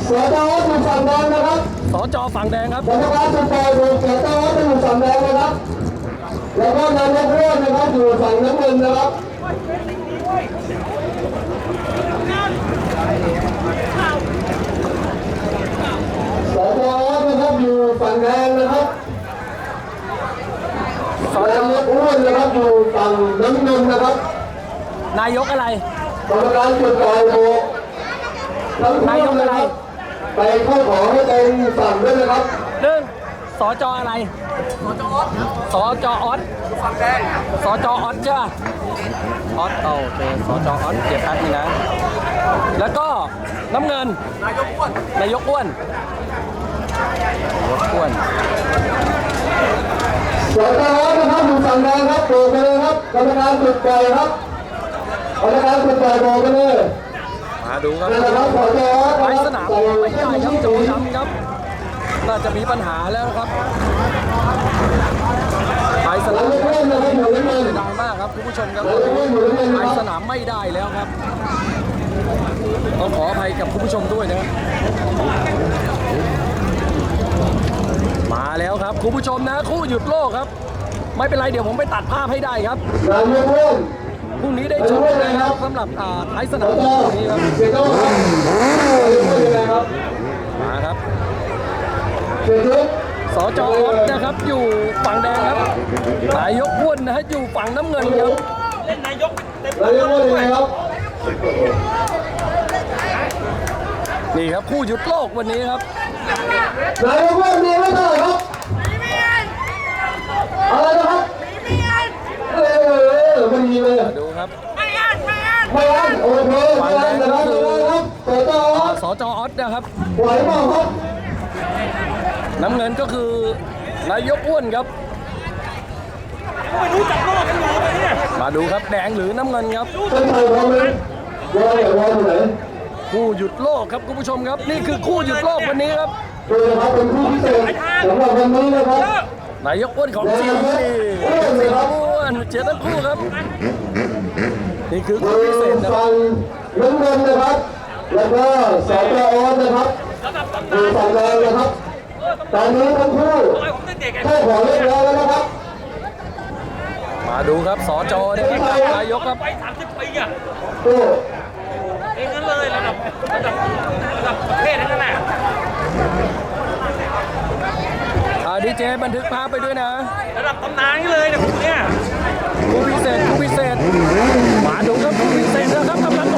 สจอยู่ฝั่งแดงนะครับสจฝั่งแดงครับกรรมการสุดท้ายสจอยู่ฝั่งแดงนะครับแล้วก็นายกร่วมนะครับอยู่ฝั่งน้ำเงินนะครับสจนะครับอยู่ฝั่งแดงนะครับนายกร่วมนะครับอยู่ฝั่งน้ำเงินนะครับนายกอะไรกรรมการสุดท้ายโบนายกอะไรไปเข้าขอให้เป็นฝั่งด้วยนะครับสจอะไรสจออสฝั่งแดงสจออสใช่ป่ะออสโอเคสจออสเก็บแป๊บนึงนะแล้วก็น้ำเงินนายกอ้วนนายกอ้วนสจนะครับอยู่ฝั่งแดงครับโบกไปเลยครับกรรมการสุดปล่อยครับกรรมการสุดปล่อยโบกไปเลยมาดูครับไปสนามไม่ได้ครับโจดำครับน่าจะมีปัญหาแล้วครับไปสนามไม่ได้มากครับคุณผู้ชมครับไปสนามไม่ได้แล้วครับต้องขออภัยกับคุณผู้ชมด้วยนะครับมาแล้วครับคุณผู้ชมนะคู่หยุดโลกครับไม่เป็นไรเดี๋ยวผมไปตัดภาพให้ได้ครับพรุ่งนี้ได้ชมนะครับสำหรับท้ายสนามนี้ครับมาครับสจออสนะครับอยู่ฝั่งแดงครับนายกอ้วนนะฮะอยู่ฝั่งน้ำเงินครับเล่นนายกเต็มเลยครับนี่ครับคู่หยุดโลกวันนี้ครับนายกอ้วนมีไม่เท่าไหร่ครับอะไรนะครับไม่มีเลยดูครับไม่อันโอเคไม่อันนะครับสจออสนะครับไหวเปล่าครับน้ำเงินก็คือนายกอ้วนครับไม่รู้จักโลกกันอยู่เลยเนี่ยมาดูครับแดงหรือน้ำเงินครับเป็นใครพร้อมไหมวอลไหนคู่หยุดโลกครับคุณผู้ชมครับนี่คือคู่หยุดโลกวันนี้ครับเป็นคู่พิเศษสำหรับวันนี้นะครับนายกอ้วนของจริงอ้วนเจอทั้งคู่ครับนี่คือคู่พิเศษนะฝั่งน้ำเงินนะครับแล้วก็สจออสนะครับอยู่ฝั่งแดงนะครับตอนนี้ทั้งคู่แค่ขอเรียกร้องแล้วนะครับมาดูครับสจนะครับนายกครับไป30 ปีอ่ะเองนั่นเลยระดับประเทศนั่นแหละดีเจบันทึกภาพไปด้วยนะระดับตำนานนี่เลยเนี่ยคู่พิเศษมาดูครับคู่พิเศษนะครับกำลัง